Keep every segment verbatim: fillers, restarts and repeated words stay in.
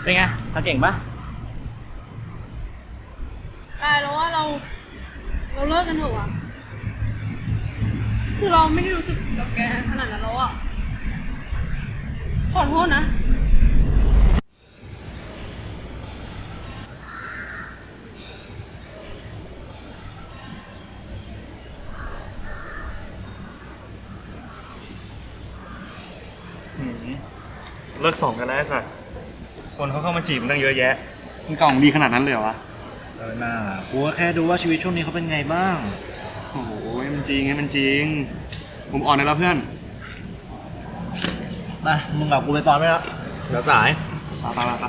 เป็นไงทำเก่งปะกายแล้วว่าเรา เราเลิกกันเถอะวะคือเราไม่ได้รู้สึกกับแกขนาดนั้นแล้วอะขอโทษนะเลิกส่งกันแล้วไอ้สัตว์คนเขาเข้ามาจีบมันตั้งเยอะแยะมันกล่องดีขนาดนั้นเลยเหรอวะเออน่ากูก็แค่ดูว่าชีวิตช่วงนี้เขาเป็นไงบ้างโอ้โหมันจริงไงมันจริงผมอ่อนได้แล้วเพื่อนมามึงกับกูไปตอนไม่แล้วเดี๋ยวสายไปไปไป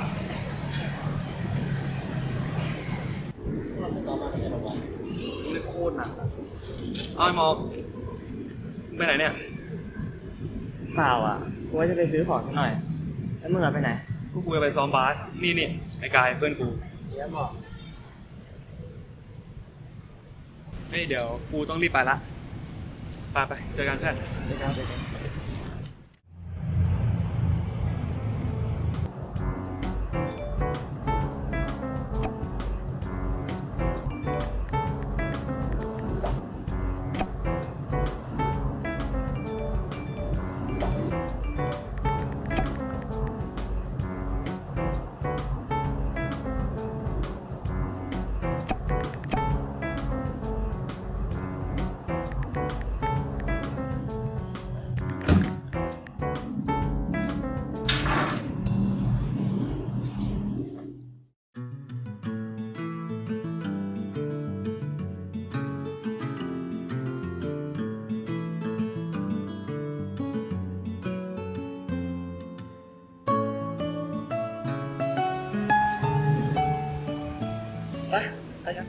ไม่โคตรหนักเอาไอ้มอกไปไหนเนี่ยเปล่าอ่ะกูว่าจะไปซื้อของสักหน่อยแล้วมึงอะไปไหนกูกูจะไปซ้อมบาสนี่นี่ไอ้กายเพื่อนกูเดี๋ยวบอกเฮ้ยเดี๋ยวกูต้องรีบไปละไปไปเจอกันเพื่อนไปกันไปกันไปไปกัน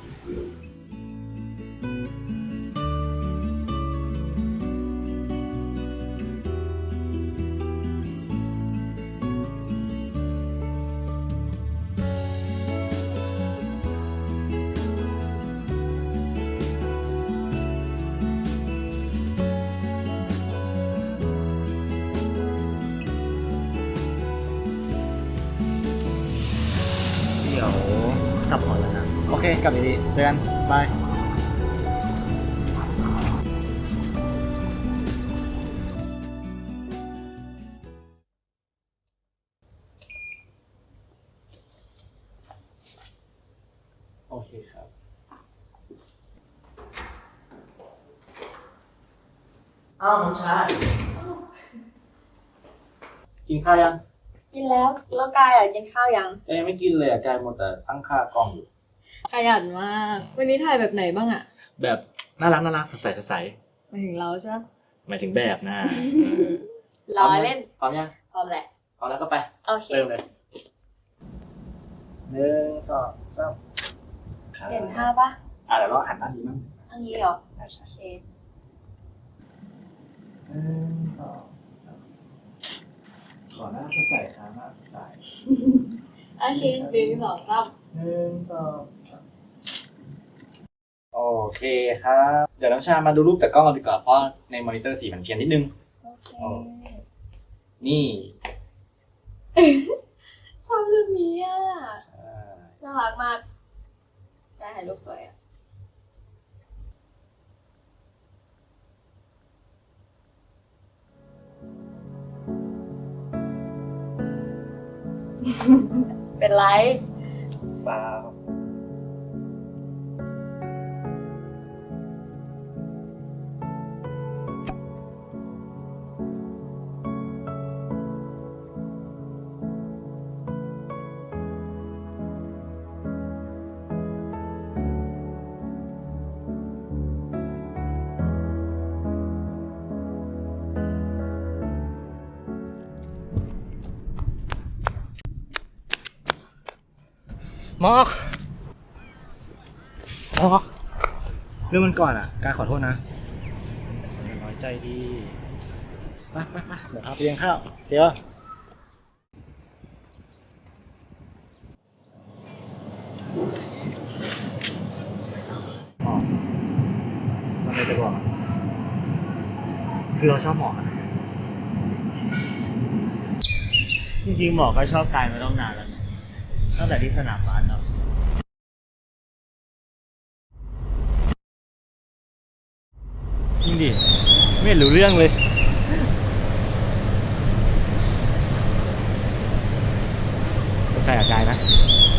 เดี๋ยวกลับก่อนแล้วนะโอเคกลับดีๆเจอกันบายโอเคครับอ้าวน้องชายกินข้าวยังกินแล้วแล้วกายอ่ะกินข้าวยังเอ้ยไม่กินเลยอ่ะกายหมดแต่ตั้งค่ากล้องอยู่ขยันมากวันนี้ถ่ายแบบไหนบ้างอ่ะแบบน่ารักน่ารักสดใสสดใสหมายถึงเราใช่ไหมหมายถึงแบบนะล้อเล่นพร้อมยังพร้อมแหละพร้อมแล้วก็ไปโอเคเริ่มเลยหนึ่งสองสามเห็นท่าปะอ่ะเดี๋ยวเราหันหน้าดีมั้งทางนี้เหรอใช่ใช่โอเคหนึ่งสองสามขอหน้าสดใสครับหน้าสดใสโอเคหนึ่งสองสามหนึ่งสองสามโอเคครับเดี๋ยวน้ำชามาดูรูปจากกล้องกันดีกว่าเพราะในมอนิเตอร์สีมันเพี้ยนนิดนึงโอเคนี่ชอบรูปนี้อ่ะน่ารักมากได้ถ่ายรูปสวยอ่ะเป็นไรเปล่ามอกมอกเรื่องมันก่อนอ่ะการขอโทษนะน้อยใจดีไปไปไปเดี๋ยวพาไปเลี้ยงข้าวเดี๋ยวหมอมันไม่จะบอกคือเราชอบหมอนะจริงๆหมอก็ชอบกายมาต้องนานแล้วนะตั้งแต่ที่สนามบาสเนาะจริงดิไม่เห็นรู้เรื่องเลยเป็นแฟนกับกายนะ